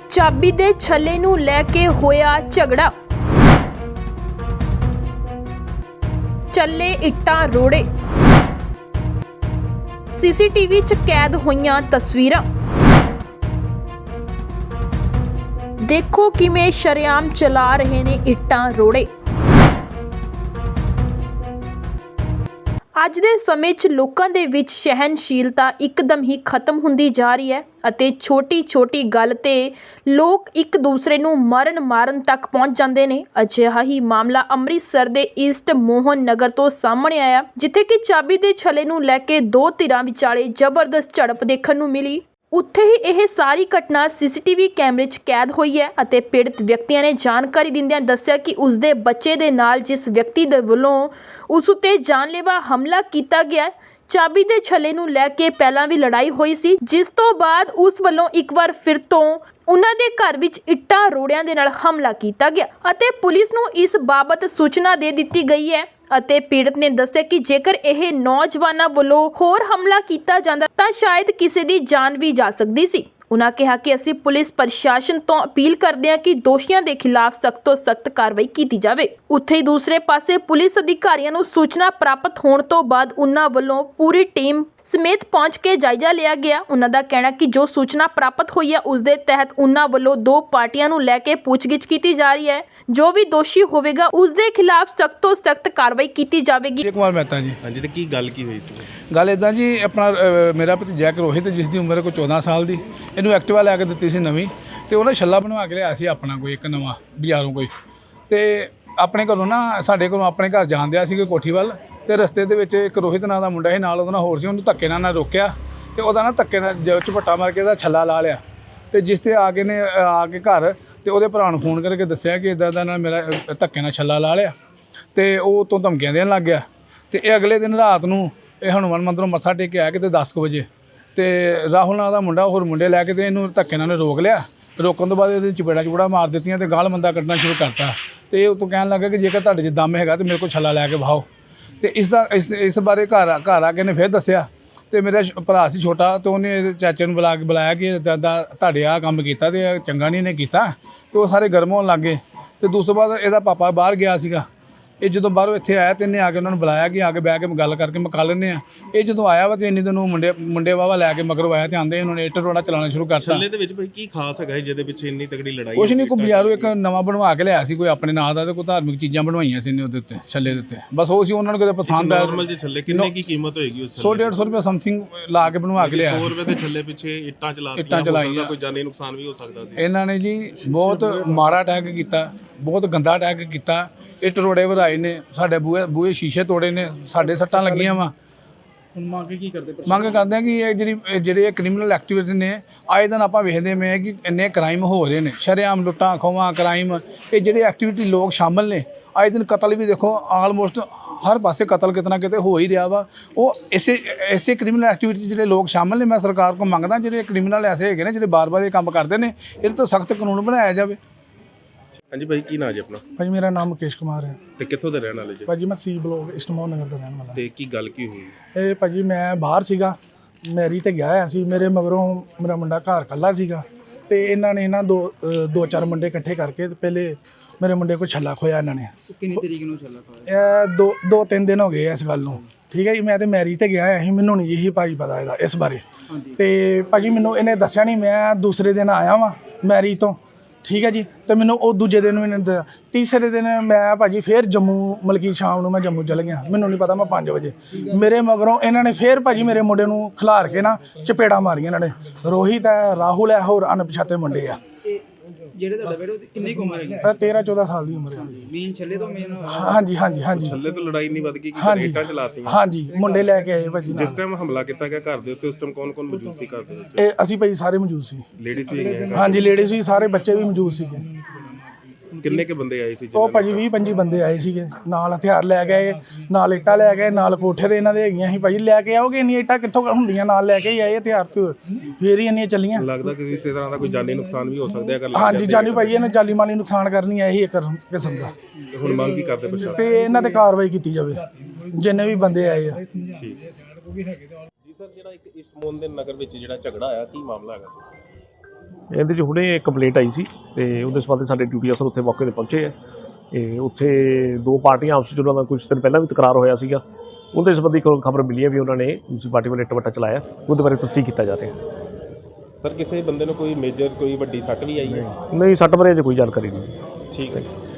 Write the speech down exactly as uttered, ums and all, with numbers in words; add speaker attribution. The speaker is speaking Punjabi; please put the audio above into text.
Speaker 1: ਚਾਬੀ ਦੇ ਛੱਲੇ ਨੂੰ ਲੈ ਕੇ ਹੋਇਆ ਝਗੜਾ। ਚੱਲੇ ਇੱਟਾਂ ਰੋੜੇ। ਸੀਸੀਟੀਵੀ 'ਚ ਕੈਦ ਹੋਈਆਂ ਤਸਵੀਰਾਂ। ਦੇਖੋ ਕਿਵੇਂ ਸ਼ਰੇਆਮ ਚਲਾ ਰਹੇ ਨੇ ਇੱਟਾਂ ਰੋੜੇ। ਅੱਜ ਦੇ ਸਮੇਂ 'ਚ ਲੋਕਾਂ ਦੇ ਵਿੱਚ ਸਹਿਣਸ਼ੀਲਤਾ ਇੱਕਦਮ ਹੀ ਖਤਮ ਹੁੰਦੀ ਜਾ ਰਹੀ ਹੈ ਅਤੇ ਛੋਟੀ-ਛੋਟੀ ਗੱਲ ਤੇ ਲੋਕ ਇੱਕ ਦੂਸਰੇ ਨੂੰ ਮਰਨ ਮਾਰਨ ਤੱਕ ਪਹੁੰਚ ਜਾਂਦੇ ਨੇ। ਅਜਿਹਾ ਹੀ ਮਾਮਲਾ ਅੰਮ੍ਰਿਤਸਰ ਦੇ ਈਸਟ ਮੋਹਨ ਨਗਰ ਤੋਂ ਸਾਹਮਣੇ ਆਇਆ, ਜਿੱਥੇ ਕਿ ਚਾਬੀ ਦੇ ਛੱਲੇ ਨੂੰ ਲੈ ਕੇ ਦੋ ਧਿਰਾਂ ਵਿਚਾਲੇ ਜ਼ਬਰਦਸਤ ਝੜਪ ਦੇਖਣ ਨੂੰ ਮਿਲੀ। ਉੱਥੇ ਹੀ ਇਹ ਸਾਰੀ ਘਟਨਾ ਸੀਸੀਟੀਵੀ ਕੈਮਰੇ 'ਚ ਕੈਦ ਹੋਈ ਹੈ ਅਤੇ ਪੀੜਤ ਵਿਅਕਤੀਆਂ ਨੇ ਜਾਣਕਾਰੀ ਦਿੰਦਿਆਂ ਦੱਸਿਆ ਕਿ ਉਸਦੇ ਬੱਚੇ ਦੇ ਨਾਲ ਜਿਸ ਵਿਅਕਤੀ ਦੇ ਵੱਲੋਂ ਉਸ ਉੱਤੇ ਜਾਨਲੇਵਾ ਹਮਲਾ ਕੀਤਾ ਗਿਆ, ਚਾਬੀ ਦੇ ਛੱਲੇ ਨੂੰ ਲੈ ਕੇ ਪਹਿਲਾਂ ਵੀ ਲੜਾਈ ਹੋਈ ਸੀ, ਜਿਸ ਤੋਂ ਬਾਅਦ ਉਸ ਵੱਲੋਂ ਇੱਕ ਵਾਰ ਫਿਰ ਤੋਂ ਉਹਨਾਂ ਦੇ ਘਰ ਵਿੱਚ ਇੱਟਾਂ ਰੋੜਿਆਂ ਦੇ ਨਾਲ ਹਮਲਾ ਕੀਤਾ ਗਿਆ ਅਤੇ ਪੁਲਿਸ ਨੂੰ ਇਸ ਬਾਬਤ ਸੂਚਨਾ ਦੇ ਦਿੱਤੀ ਗਈ ਹੈ ਅਤੇ ਪੀੜਤ ਨੇ ਦੱਸਿਆ ਕਿ ਜੇਕਰ ਇਹ ਨੌਜਵਾਨਾਂ ਵੱਲੋਂ ਹੋਰ ਹਮਲਾ ਕੀਤਾ ਜਾਂਦਾ ਤਾਂ ਸ਼ਾਇਦ ਕਿਸੇ ਦੀ ਜਾਨ ਵੀ ਜਾ ਸਕਦੀ ਸੀ। ਉਨ੍ਹਾਂ ਕਿਹਾ ਕਿ ਅਸੀਂ ਪੁਲਿਸ ਪ੍ਰਸ਼ਾਸਨ ਤੋਂ ਅਪੀਲ ਕਰਦੇ ਹਾਂ ਕਿ ਦੋਸ਼ੀਆਂ ਦੇ ਖਿਲਾਫ ਸਖਤ ਤੋਂ ਸਖਤ ਕਾਰਵਾਈ ਕੀਤੀ ਜਾਵੇ। ਉੱਥੇ ਹੀ ਦੂਸਰੇ ਪਾਸੇ ਪੁਲਿਸ ਅਧਿਕਾਰੀਆਂ ਨੂੰ ਸੂਚਨਾ ਪ੍ਰਾਪਤ ਹੋਣ ਤੋਂ ਬਾਅਦ ਉਨ੍ਹਾਂ ਵੱਲੋਂ ਪੂਰੀ ਟੀਮ ਸਮੇਤ ਪਹੁੰਚ ਕੇ ਜਾਇਜ਼ਾ ਲਿਆ ਗਿਆ। ਉਨ੍ਹਾਂ ਦਾ ਕਹਿਣਾ ਕਿ ਜੋ ਸੂਚਨਾ ਪ੍ਰਾਪਤ ਹੋਈ ਹੈ ਉਸ ਦੇ ਤਹਿਤ ਉਨ੍ਹਾਂ ਵੱਲੋਂ ਦੋ ਪਾਰਟੀਆਂ ਨੂੰ ਲੈ ਕੇ ਪੁੱਛਗਿੱਛ ਕੀਤੀ ਜਾ ਰਹੀ ਹੈ। ਜੋ ਵੀ ਦੋਸ਼ੀ ਹੋਵੇਗਾ ਉਸ ਦੇ ਖਿਲਾਫ ਸਖਤ ਤੋਂ ਸਖਤ ਕਾਰਵਾਈ ਕੀਤੀ ਜਾਵੇਗੀ।
Speaker 2: ਅਜੇ ਕੁਮਾਰ ਮਹਿਤਾ ਜੀ।
Speaker 3: ਹਾਂਜੀ ਤੇ ਕੀ ਗੱਲ ਕੀ ਹੋਈ ਸੀ?
Speaker 2: ਗੱਲ ਇੱਦਾਂ ਜੀ, ਆਪਣਾ ਅ, ਮੇਰਾ ਭਤੀਜਾ ਇੱਕ ਰੋਹਿਤ, ਜਿਸ ਦੀ ਉਮਰ ਕੋਈ ਚੌਦਾਂ ਸਾਲ ਦੀ, ਇਹਨੂੰ ਐਕਟਿਵਾ ਲੈ ਕੇ ਦਿੱਤੀ ਸੀ ਨਵੀਂ, ਤੇ ਉਹਨੇ ਛੱਲਾ ਬਣਵਾ ਕੇ ਲਿਆ ਸੀ ਆਪਣਾ ਕੋਈ ਇੱਕ ਨਵਾਂ ਬਾਜ਼ਾਰੋਂ ਕੋਈ, ਤੇ ਆਪਣੇ ਘਰੋਂ ਨਾ ਸਾਡੇ ਕੋਲੋਂ ਆਪਣੇ ਘਰ ਜਾਣ ਦਿਆ ਸੀ ਕੋਈ ਕੋਠੀ ਵੱਲ, ਤੇ ਰਸਤੇ ਦੇ ਵਿੱਚ ਇੱਕ ਰੋਹਿਤ ਨਾਂ ਦਾ ਮੁੰਡਾ ਸੀ ਨਾਲ, ਉਹਦੇ ਨਾਲ ਹੋਰ ਸੀ, ਉਹਨੂੰ ਧੱਕੇ ਨਾਲ ਨਾ ਰੋਕਿਆ ਤੇ ਉਹਦਾ ਨਾ ਧੱਕੇ ਨਾਲ ਜ ਝਪੱਟਾ ਮਾਰ ਕੇ ਉਹਦਾ ਛੱਲਾ ਲਾ ਲਿਆ। ਤੇ ਜਿਸ ਤੇ ਆ ਕੇ ਨੇ ਆ ਕੇ ਘਰ ਤੇ ਉਹਦੇ ਭਰਾ ਨੂੰ ਫੋਨ ਕਰਕੇ ਦੱਸਿਆ ਕਿ ਇੱਦਾਂ ਦਾ ਨਾਲ ਮੇਰਾ ਧੱਕੇ ਨਾਲ ਛੱਲਾ ਲਾ ਲਿਆ, ਤੇ ਉਹ ਤੋਂ ਧਮਕੀਆਂ ਦੇਣ ਲੱਗ ਗਿਆ। ਤੇ ਇਹ ਅਗਲੇ ਦਿਨ ਰਾਤ ਨੂੰ ਇਹ ਹਨੂੰਮਾਨ ਮੰਦਿਰੋਂ ਮੱਥਾ ਟੇਕ ਕੇ ਆਇਆ ਕਿਤੇ ਦਸ ਕੁ ਵਜੇ, ਤੇ ਰਾਹੁਲ ਨਾਂ ਦਾ ਮੁੰਡਾ ਹੋਰ ਮੁੰਡੇ ਲੈ ਕੇ ਤੇ ਇਹਨੂੰ ਧੱਕੇ ਨਾਲ ਰੋਕ ਲਿਆ। ਰੋਕਣ ਤੋਂ ਬਾਅਦ ਇਹਦੇ ਚਪੇੜਾ ਚਪੂੜਾ ਮਾਰ ਦਿੱਤੀਆਂ ਤੇ ਗਾਲ ਮੰਦਾ ਕੱਢਣਾ ਸ਼ੁਰੂ ਕਰਤਾ। ਤੇ ਇਹ ਉਤੋਂ ਕਹਿਣ ਲੱਗਾ ਕਿ ਜੇਕਰ ਤੁਹਾਡੇ 'ਚ ਦਮ ਹੈਗਾ ਤੇ ਮੇਰੇ ਕੋਲ ਛੱਲਾ ਲੈ ਕੇ ਵਹਾਓ। ਤੇ ਇਸ ਦਾ ਇਸ ਇਸ ਬਾਰੇ ਘਰ ਘਰ ਆ ਕੇ ਨੇ ਫਿਰ ਦੱਸਿਆ, ਤੇ ਮੇਰਾ ਭਰਾ ਸੀ ਛੋਟਾ, ਤੇ ਉਹਨੇ ਇਹਦੇ ਚਾਚੇ ਨੂੰ ਬੁਲਾ ਕੇ ਬੁਲਾਇਆ ਕਿ ਦਾਦਾ ਤੁਹਾਡੇ ਆਹ ਕੰਮ ਕੀਤਾ ਤੇ ਚੰਗਾ ਨਹੀਂ ਇਹਨੇ ਕੀਤਾ, ਤੇ ਉਹ ਸਾਰੇ ਗਰਮ ਹੋਣ ਲੱਗ ਗਏ। ਤੇ ਦੂਸਰੇ ਬਾਅਦ ਇਹਦਾ ਪਾਪਾ ਬਾਹਰ ਗਿਆ ਸੀਗਾ, ਇਹ ਜਦੋਂ ਬਾਹਰੋਂ ਇੱਥੇ ਆਇਆ ਤੇ ਇਹਨੇ ਆ ਕੇ ਉਹਨਾਂ ਨੂੰ ਬੁਲਾਇਆ ਕਿ ਆ ਕੇ ਬਹਿ ਕੇ ਗੱਲ ਕਰਕੇ ਮੁਕਾ ਲੈਂਦੇ ਆ। ਇਹ ਜਦੋਂ ਆਇਆ ਵਾ ਤੇ ਇੰਨੀ ਦਿਨ ਉਹ ਮੁੰਡੇ ਮੁੰਡੇ ਵਾਵਾ ਲੈ ਕੇ ਮਗਰੋਂ ਆਇਆ ਤੇ ਆਂਦੇ ਉਹਨਾਂ ਨੇ ਇੱਟ ਰੋੜਾ ਚਲਾਉਣਾ ਸ਼ੁਰੂ ਕਰਤਾ।
Speaker 3: ਛੱਲੇ ਦੇ ਵਿੱਚ ਭਾਈ ਕੀ ਖਾਸ ਹੈਗਾ ਜਿਹਦੇ ਪਿੱਛੇ ਇੰਨੀ ਤਕੜੀ ਲੜਾਈ?
Speaker 2: ਕੁਛ ਨਹੀਂ, ਕੋਈ ਬਾਜ਼ਾਰੋਂ ਇੱਕ ਨਵਾਂ ਬਣਵਾ ਕੇ ਲਿਆਇਆ ਸੀ ਕੋਈ ਆਪਣੇ ਨਾਂ ਦਾ, ਤੇ ਕੋਈ ਧਾਰਮਿਕ ਚੀਜ਼ਾਂ ਬਣਵਾਈਆਂ ਸੀ ਇਹਨੇ ਉਹਦੇ ਉੱਤੇ ਛੱਲੇ ਦੇ ਉੱਤੇ, ਬਸ ਉਹ ਸੀ ਉਹਨਾਂ ਨੂੰ ਕਿਤੇ ਪਸੰਦ ਆਇਆ।
Speaker 3: ਨਾਰਮਲ ਜਿਹੇ ਛੱਲੇ ਕਿੰਨੇ ਕੀ ਕੀਮਤ ਹੋਏਗੀ ਉਸ?
Speaker 2: ਸੌ ਡੇਢ ਸੌ ਰੁਪਏ ਸਮਥਿੰਗ ਲਾ ਕੇ ਬਣਵਾ ਕੇ ਲਿਆਇਆ
Speaker 3: ਸੌ
Speaker 2: ਸੀ।
Speaker 3: ਰੁਪਏ ਦੇ ਛੱਲੇ ਪਿੱਛੇ ਇੱਟਾਂ ਚਲਾ
Speaker 2: ਇੱਟਾਂ ਚਲਾਈਆਂ,
Speaker 3: ਕੋਈ ਜਾਨੀ ਨੁਕਸਾਨ ਵੀ ਹੋ ਸਕਦਾ ਸੀ।
Speaker 2: ਇਹਨਾਂ ਨੇ ਜੀ ਬਹੁਤ ਮਾੜਾ ਅਟੈਕ ਕੀਤਾ, ਬਹੁਤ ਗੰਦਾ ਅਟੈਕ ਕੀਤਾ। ਇੱਟ ਰੋੜੇ ਵਰਾਏ ਨੇ, ਸਾਡੇ ਬੂਹੇ ਬੂਹੇ ਸ਼ੀਸ਼ੇ ਤੋੜੇ ਨੇ, ਸਾਡੇ ਸੱਟਾਂ ਲੱਗੀਆਂ ਵਾ।
Speaker 4: ਹੁਣ ਮੰਗ ਕੀ ਕਰਦੇ?
Speaker 2: ਮੰਗ ਕਰਦੇ ਹਾਂ ਕਿ ਇਹ ਜਿਹੜੀ ਇਹ ਜਿਹੜੇ ਕ੍ਰਿਮੀਨਲ ਐਕਟੀਵਿਟੀ ਨੇ, ਆਏ ਦਿਨ ਆਪਾਂ ਵੇਖਦੇ ਪਏ ਕਿ ਇੰਨੇ ਕ੍ਰਾਈਮ ਹੋ ਰਹੇ ਨੇ, ਸ਼ਰੇਆਮ ਲੁੱਟਾਂ ਖੋਹਾਂ ਕ੍ਰਾਈਮ, ਇਹ ਜਿਹੜੇ ਐਕਟੀਵਿਟੀ ਲੋਕ ਸ਼ਾਮਲ ਨੇ। ਆਏ ਦਿਨ ਕਤਲ ਵੀ ਦੇਖੋ, ਆਲਮੋਸਟ ਹਰ ਪਾਸੇ ਕਤਲ ਕਿਤੇ ਨਾ ਕਿਤੇ ਹੋ ਹੀ ਰਿਹਾ ਵਾ। ਉਹ ਇਸੇ ਇਸੇ ਕ੍ਰਿਮੀਨਲ ਐਕਟੀਵਿਟੀ ਜਿਹੜੇ ਲੋਕ ਸ਼ਾਮਲ ਨੇ, ਮੈਂ ਸਰਕਾਰ ਕੋਲ ਮੰਗਦਾ ਜਿਹੜੇ ਕ੍ਰਿਮੀਨਲ ਐਸੇ ਹੈਗੇ ਨੇ ਜਿਹੜੇ ਬਾਰ-ਬਾਰ ਇਹ ਕੰਮ ਕਰਦੇ ਨੇ, ਇਹਦੇ ਤੋਂ ਸਖਤ ਕਾਨੂੰਨ ਬਣਾਇਆ ਜਾਵੇ।
Speaker 3: ਹਾਂਜੀ ਭਾਈ, ਕੀ ਨਾਂ ਜੀ ਆਪਣਾ?
Speaker 4: ਭਾਜੀ ਮੇਰਾ ਨਾਮ ਮੁਕੇਸ਼ ਕੁਮਾਰ ਹੈ।
Speaker 3: ਤੇ ਕਿੱਥੋਂ ਦੇ ਰਹਿਣ ਵਾਲੇ ਜੀ?
Speaker 4: ਭਾਜੀ ਮੈਂ C block east Mohan Nagar ਦਾ ਰਹਿਣ ਵਾਲਾ।
Speaker 3: ਤੇ ਕੀ ਗੱਲ ਕੀ ਹੋਈ?
Speaker 4: ਇਹ ਭਾਜੀ ਮੈਂ ਬਾਹਰ ਸੀਗਾ, ਮੈਰੀ ਤੇ ਗਿਆ ਹੋਇਆ ਸੀ, ਮੇਰੇ ਮਗਰੋਂ ਮੇਰਾ ਮੁੰਡਾ ਘਰ ਇਕੱਲਾ ਸੀਗਾ, ਤੇ ਇਹਨਾਂ ਨੇ ਨਾ ਦੋ ਅ, ਦੋ ਚਾਰ ਮੁੰਡੇ ਇਕੱਠੇ ਕਰਕੇ ਤੇ ਪਹਿਲੇ ਮੇਰੇ ਮੁੰਡੇ ਕੋਲ ਛੱਲਾ ਖੋਇਆ ਇਹਨਾਂ ਨੇ।
Speaker 5: ਕਿੰਨੀ ਤਰੀਕ ਨੂੰ ਛੱਲਾ ਖੋਇਆ?
Speaker 4: ਇਹ ਦੋ ਦੋ ਤਿੰਨ ਦਿਨ ਹੋ ਗਏ ਇਸ ਗੱਲ ਨੂੰ, ਠੀਕ ਹੈ ਜੀ। ਮੈਂ ਤੇ ਮੈਰੀ ਤੇ ਗਿਆ ਹੋਇਆ ਸੀ, ਮੈਨੂੰ ਨਹੀਂ ਇਹੀ ਭਾਜੀ ਪਤਾ ਇਹਦਾ ਇਸ ਬਾਰੇ। ਤੇ ਭਾਜੀ ਮੈਨੂੰ ਇਹਨੇ ਦੱਸਿਆ ਨਹੀਂ, ਮੈਂ ਦੂਸਰੇ ਦਿਨ ਆਇਆ ਵਾਂ ਮੈਰੀ ਤੋਂ, ਠੀਕ ਹੈ ਜੀ। ਤੇ ਮੈਨੂੰ ਉਹ ਦੂਜੇ ਦਿਨ ਵੀ ਨਹੀਂ, ਤੀਸਰੇ ਦਿਨ ਮੈਂ ਭਾਜੀ ਫਿਰ ਜੰਮੂ, ਮਲਕੀ ਸ਼ਾਮ ਨੂੰ ਮੈਂ ਜੰਮੂ ਚਲ ਗਿਆ, ਮੈਨੂੰ ਨਹੀਂ ਪਤਾ ਮੈਂ ਪੰਜ ਵਜੇ। ਮੇਰੇ ਮਗਰੋਂ ਇਹਨਾਂ ਨੇ ਫਿਰ ਭਾਜੀ ਮੇਰੇ ਮੁੰਡੇ ਨੂੰ ਖਿਲਾਰ ਕੇ ਨਾ ਚਪੇੜਾ ਮਾਰੀਆਂ ਇਹਨਾਂ ਨੇ। ਰੋਹਿਤ ਹੈ, ਰਾਹੁਲ ਹੈ, ਹੋਰ ਅਣਪਛਾਤੇ ਮੁੰਡੇ ਆ।
Speaker 5: ਜਿਹੜੇ ਤੁਹਾਡਾ ਬੇਟਾ ਕਿੰਨੀ ਕੁ ਉਮਰ ਹੈ?
Speaker 4: ਤੇਰਾਂ ਚੌਦਾਂ ਸਾਲ ਦੀ ਉਮਰ ਹੈ।
Speaker 5: ਮੇਨ ਛੱਲੇ ਤੋਂ ਮੇਨ?
Speaker 4: ਹਾਂਜੀ ਹਾਂਜੀ ਹਾਂਜੀ
Speaker 3: ਛੱਲੇ ਤੋਂ ਲੜਾਈ ਨਹੀਂ ਵੱਧ ਗਈ ਕਿ
Speaker 4: ਹਾਂਜੀ
Speaker 3: ਇੱਟਾਂ ਚਲਾਤੀਆਂ?
Speaker 4: ਹਾਂਜੀ, ਮੁੰਡੇ ਲੈ ਕੇ ਆਏ ਭਾਜੀ
Speaker 3: ਜਿਸ
Speaker 4: ਨਾਲ।
Speaker 3: ਟਾਈਮ ਹਮਲਾ ਕੀਤਾ ਗਿਆ ਘਰ ਦੇ ਉੱਤੇ, ਉਸ ਟਾਈਮ ਕੌਣ ਕੌਣ ਮੌਜੂਦ ਸੀ ਘਰ ਦੇ ਵਿੱਚ?
Speaker 4: ਇਹ ਅਸੀਂ ਭਾਜੀ ਸਾਰੇ ਮੌਜੂਦ ਸੀ।
Speaker 3: ਲੇਡੀਜ਼ ਵੀ ਹੈਗੀਆਂ?
Speaker 4: ਹਾਂਜੀ ਲੇਡੀਜ਼ ਵੀ, ਸਾਰੇ ਬੱਚੇ ਵੀ ਮੌਜੂਦ ਸੀਗੇ।
Speaker 3: ਕਿੰਨੇ ਕੇ ਬੰਦੇ ਆਏ ਸੀ?
Speaker 4: ਉਹ ਭਾਜੀ ਵੀਹ ਪੰਜੀ ਬੰਦੇ ਆਏ ਸੀਗੇ, ਨਾਲ ਹਥਿਆਰ ਲੈ ਗਏ, ਨਾਲ ਇੱਟਾਂ ਲੈ ਗਏ, ਨਾਲ ਕੋਠੇ ਦੇ ਇਹਨਾਂ ਦੇ ਹੈਗੀਆਂ ਸੀ। ਭਾਜੀ ਲੈ ਕੇ ਆਓਗੇ ਇੰਨੀਆਂ ਇੱਟਾਂ ਕਿੱਥੋਂ ਹੁੰਦੀਆਂ, ਨਾਲ ਲੈ ਕੇ ਹੀ ਆਏ ਹਥਿਆਰ ਤੇ, ਫੇਰ ਹੀ ਇੰਨੀਆਂ ਚੱਲੀਆਂ।
Speaker 3: ਲੱਗਦਾ ਕਿ ਕਿਸੇ ਤਰ੍ਹਾਂ ਦਾ ਕੋਈ ਜਾਨੀ ਨੁਕਸਾਨ ਵੀ ਹੋ ਸਕਦਾ ਹੈ ਅਗਰ?
Speaker 4: ਹਾਂਜੀ ਜਾਨੀ ਭਾਜੀ ਇਹਨੇ ਜਾਨੀ ਮਾਲੀ ਨੁਕਸਾਨ ਕਰਨੀ ਹੈ ਇਹੀ ਇੱਕ ਕਿਸਮ ਦਾ।
Speaker 3: ਤੇ ਹੁਣ ਮੰਗ ਕੀ ਕਰਦੇ ਪ੍ਰਸ਼ਾਸਨ?
Speaker 4: ਤੇ ਇਹਨਾਂ ਤੇ ਕਾਰਵਾਈ ਕੀਤੀ ਜਾਵੇ ਜਿੰਨੇ ਵੀ ਬੰਦੇ ਆਏ ਆ।
Speaker 3: ਠੀਕ ਜੀ ਸਰ, ਜਿਹੜਾ ਇੱਕ ਈਸਟ ਮੋਹਨ ਦੇ ਨਗਰ ਵਿੱਚ ਜਿਹੜਾ ਝਗੜਾ ਆਇਆ, ਕੀ ਮਾਮਲਾ ਹੈਗਾ?
Speaker 6: ਇਹਦੇ 'ਚ ਹੁਣੇ ਕੰਪਲੇਂਟ ਆਈ ਸੀ ਤੇ ਉਹਦੇ ਸੰਬੰਧ ਸਾਡੇ ਡਿਊਟੀ ਅਫਸਰ ਉੱਥੇ ਮੌਕੇ 'ਤੇ ਪਹੁੰਚੇ ਆ। ਤੇ ਉੱਥੇ ਦੋ ਪਾਰਟੀਆਂ ਆਪਸ 'ਚ ਉਹਨਾਂ ਦਾ ਕੁਝ ਦਿਨ ਪਹਿਲਾਂ ਵੀ ਤਕਰਾਰ ਹੋਇਆ ਸੀਗਾ। ਉਹਦੇ ਸੰਬੰਧੀ ਖਬਰ ਮਿਲੀ ਹੈ ਵੀ ਉਹਨਾਂ ਨੇ ਦੂਸਰੀ ਪਾਰਟੀ ਵੱਲ ਇੱਟ ਵੱਟਾ ਚਲਾਇਆ। ਉਹਦੇ ਬਾਰੇ ਤਸਦੀਕ ਕੀਤਾ ਜਾ ਰਿਹਾ।
Speaker 3: ਸਰ ਕਿਸੇ ਬੰਦੇ ਨੂੰ ਕੋਈ ਮੇਜਰ ਕੋਈ ਵੱਡੀ ਸੱਟ ਵੀ ਆਈ ਹੈ?
Speaker 6: ਨਹੀਂ, ਸੱਟ ਬਾਰੇ ਅਜੇ ਕੋਈ ਜਾਣਕਾਰੀ ਨਹੀਂ।
Speaker 3: ਠੀਕ ਹੈ।